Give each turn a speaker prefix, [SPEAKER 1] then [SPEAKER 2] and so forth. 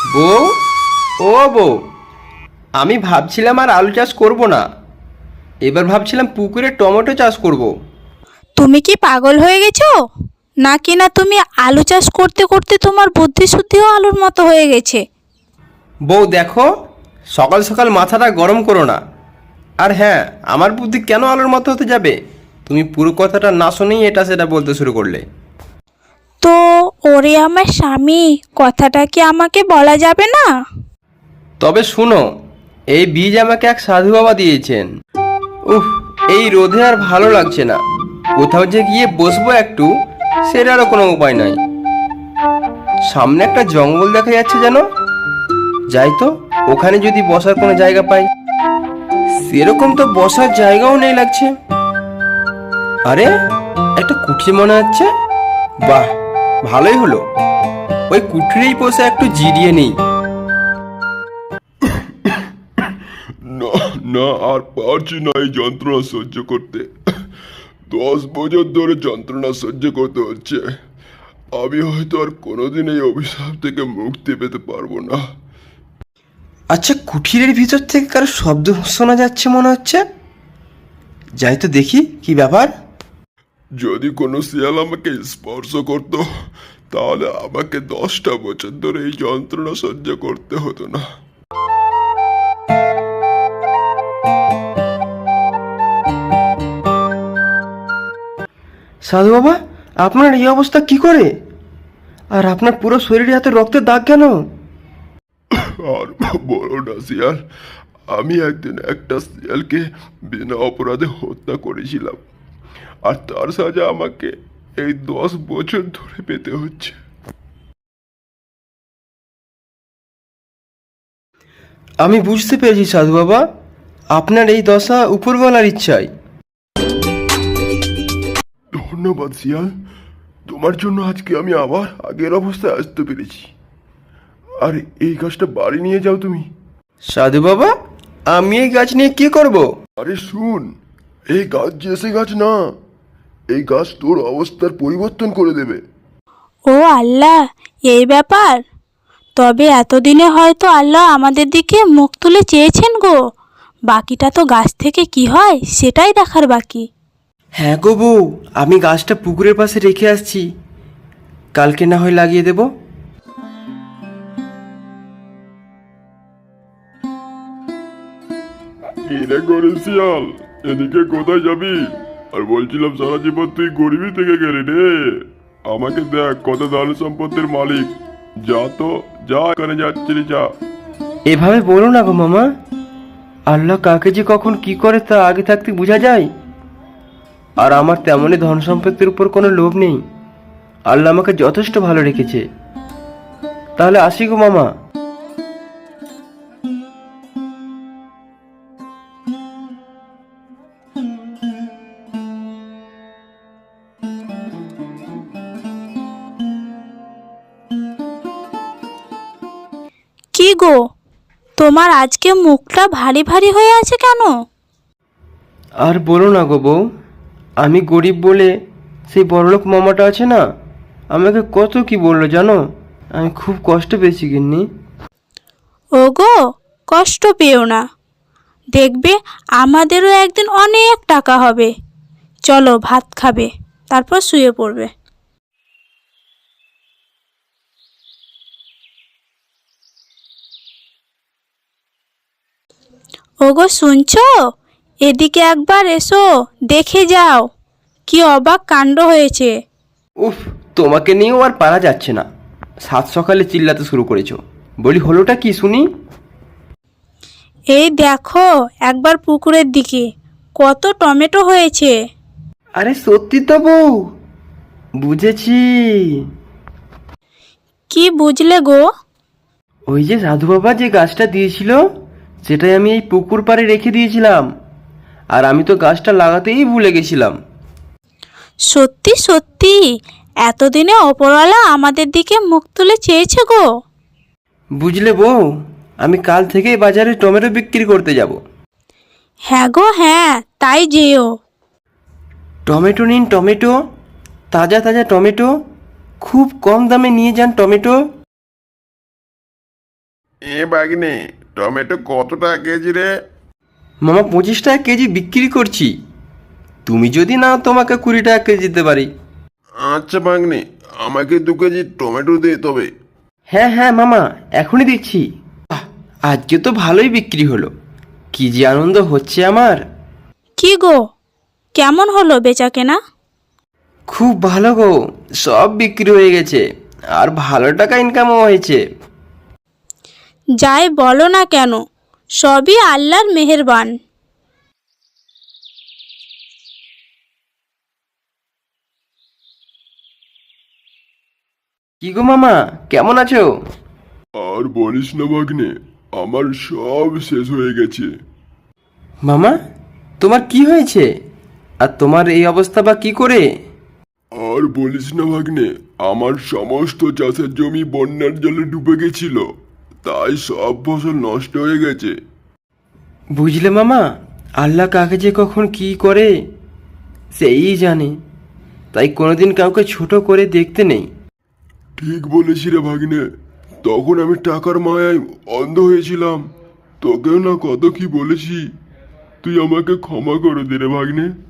[SPEAKER 1] বউ, ও বউ, আমি ভাবছিলাম আর আলু চাষ করব না। এবার ভাবছিলাম পুকুরে টমেটো চাষ করব।
[SPEAKER 2] তুমি কি পাগল হয়ে গেছো? নাকি না তুমি আলু চাষ করতে করতে তোমার বুদ্ধি শুদ্ধিও আলুর মতো হয়ে গেছে?
[SPEAKER 1] বউ দেখো, সকাল সকাল মাথাটা গরম করো না। আর হ্যাঁ, আমার বুদ্ধি কেন আলুর মতো হতে যাবে? তুমি পুরো কথাটা না শুনেই এটা সেটা বলতে শুরু করলে।
[SPEAKER 2] তো ওরে আমার স্বামী, কথাটা কি আমাকে বলা যাবে না?
[SPEAKER 1] তবে শুনো, এই বীজ আমাকে এক সাধু বাবা দিয়েছেন। উফ, এই রোদে আর ভালো লাগছে না। কোথাও যে গিয়ে বসবো একটু, সেটারও কোনো উপায় নাই। সামনে একটা জঙ্গল দেখা যাচ্ছে যেন। যাই তো, ওখানে যদি বসার কোনো জায়গা পাই। সেরকম তো বসার জায়গাও নেই লাগছে। আরে, একটা কুঠি মনে হচ্ছে। বাহ, ভালোই হলো, ওই কুঠিরেই বসে একটু জিরিয়ে নেই।
[SPEAKER 3] না, না, আর পারছি না এই যন্ত্রণা সহ্য করতে। 10 বছর ধরে যন্ত্রণা সহ্য করতে হচ্ছে। আমি হয়তো আর কোনোদিন এই অভিশাপ থেকে মুক্তি পেতে পারবো না।
[SPEAKER 1] আচ্ছা, কুঠিরের ভিতর থেকে কারো শব্দ শোনা যাচ্ছে মনে হচ্ছে। যাই তো দেখি কি ব্যাপার।
[SPEAKER 3] যদি কোনো শিয়াল আমাকে স্পর্শ করত, তাহলে আমাকে 10টা বছর ধরে এই যন্ত্রণা সহ্য করতে হতো না।
[SPEAKER 1] সাধু বাবা, আপনার এই অবস্থা কি করে? আর আপনার পুরো শরীরে এত রক্তের দাগ কেন?
[SPEAKER 3] আর বলো না শিয়াল, আমি একদিন একটা শিয়ালকে বিনা অপরাধে হত্যা করেছিলাম, আর তার সাজা আমাকে এই 10 বছর ধরে পেতে হচ্ছে।
[SPEAKER 1] আমি বুঝতে পেরেছি সাধু বাবা, আপনার এই দশা উপরওয়ালার ইচ্ছায়।
[SPEAKER 3] ধন্যবাদ শিয়াল, তোমার জন্য আজকে আমি আবার আগের অবস্থায় আসতে পেরেছি। আর এই গাছটা বাড়ি নিয়ে যাও তুমি।
[SPEAKER 1] সাধু বাবা, আমি এই গাছ নিয়ে কি করব?
[SPEAKER 3] আরে শুন, এই গাছ যে সে গাছ না, এই গাছ তোর অবস্থার পরিবর্তন করে দেবে।
[SPEAKER 2] ও আল্লাহ, এই ব্যাপার! তবে এতদিনে হয়তো আল্লাহ আমাদের দিকে মুখ তুলে চেয়েছেন গো। বাকিটা তো গাছ থেকে কি হয় সেটাই দেখার বাকি।
[SPEAKER 1] হ্যাঁ গো বউ, আমি গাছটা পুকুরের পাশে রেখে আসছি। কালকে না হয় লাগিয়ে দেব।
[SPEAKER 3] কিরে করে শিয়াল, এদিকে কোথায় যাবি? আর বলছিলাম সারা জীবন তুই গরিবই থেকে গেলি রে। আমাকে দেখ কত ধন সম্পত্তির মালিক। যা তো, যা, এখানে যাচ্ছিলি যা।
[SPEAKER 1] এভাবে বলো না গো মামা। আল্লাহ কাকে যে কখন কি করে তা আগে থাকতে বোঝা যায়। আর আমার তেমনই ধন সম্পত্তির উপর কোনো লোভ নেই। আল্লাহ আমাকে যথেষ্ট ভালো রেখেছে। তাহলে আসি গো মামা।
[SPEAKER 2] কি গো, তোমার আজকে মুখটা ভারী ভারী হয়ে আছে কেন?
[SPEAKER 1] আর বলো না গো বউ, আমি গরিব বলে সেই বড়লোক মামাটা আছে না, আমাকে কত কি বললো জানো। আমি খুব কষ্ট পেয়েছি গিন্নি।
[SPEAKER 2] ওগো, কষ্ট পেও না। দেখবে আমাদেরও একদিন অনেক টাকা হবে। চলো ভাত খাবে, তারপর শুয়ে পড়বে। ওগো শুনছো? এদিকে একবার এসো, দেখে যাও কি অবাক কাণ্ড হয়েছে।
[SPEAKER 1] উফ, তোমাকে নিয়েও আর পারা যাচ্ছে না। সাত সকালে চিল্লাতে শুরু করেছো। বলি হলোটা কি শুনি?
[SPEAKER 2] এই দেখো একবার পুকুরের দিকে, কত টমেটো হয়েছে।
[SPEAKER 1] আরে সত্যি তো বউ, বুঝেছি।
[SPEAKER 2] কি বুঝলে গো?
[SPEAKER 1] ওই যে সাধু বাবা যে গাছটা দিয়েছিল, সেটাই আমি এই পুকুর পাড়ে রেখে দিয়েছিলাম। আর আমি তো গাছটা লাগাতেই ভুলে গেছিলাম।
[SPEAKER 2] সত্যি সত্যি এতদিনে ওপরওয়ালা আমাদের দিকে মুখ তুলে চেয়েছে গো।
[SPEAKER 1] বুঝলে বউ, আমি কাল থেকেই বাজারে টমেটো বিক্রি করতে যাব।
[SPEAKER 2] হ্যাঁ গো হ্যাঁ, তাই যেও।
[SPEAKER 1] টমেটো নিন টমেটো, তাজা তাজা টমেটো। খুব কম দামে নিয়ে যান টমেটো।
[SPEAKER 3] এ বাগনে, টমেটো কত টাকা কেজি রে?
[SPEAKER 1] মামা 25 টাকা কেজি বিক্রি করছি। তুমি যদি নাও তোমাকে 20 টাকা কেজি দিতে পারি।
[SPEAKER 3] আচ্ছা বাগনে, আমাকে 2 কেজি টমেটো দে তবে।
[SPEAKER 1] হ্যাঁ হ্যাঁ মামা, এখনই দিচ্ছি। আহ, আজকে তো ভালোই বিক্রি হলো। কি যে আনন্দ হচ্ছে আমার।
[SPEAKER 2] কি গো, কেমন হলো বেচা কেনা?
[SPEAKER 1] খুব ভালো গো, সব বিক্রি হয়ে গেছে আর ভালো টাকা ইনকামও হয়েছে।
[SPEAKER 2] যাই বলো না কেন, সবই আল্লাহর মেহেরবান।
[SPEAKER 1] কি গো মামা, কেমন আছো?
[SPEAKER 3] আর বলিস না ভাগ্নে, আমার সব শেষ হয়ে গেছে।
[SPEAKER 1] মামা, তোমার কি হয়েছে? আর তোমার এই অবস্থা বা কি করে?
[SPEAKER 3] আর বলিস না ভাগ্নে, আমার সমস্ত চাষের জমি বন্যার জলে ডুবে গেছিল, তাই সব ফসল নষ্ট হয়ে গেছে।
[SPEAKER 1] বুঝলে মামা, আল্লাহ কাকে যে কখন কি করে সেই জানে। তাই কোনোদিন কাউকে ছোট করে দেখতে নেই।
[SPEAKER 3] ঠিক বলেছি রে ভাগ্নে, তখন আমি টাকার মায়ায় অন্ধ হয়েছিলাম। তোকেও না কত কি বলেছি, তুই আমাকে ক্ষমা করে দে রে ভাগ্নে।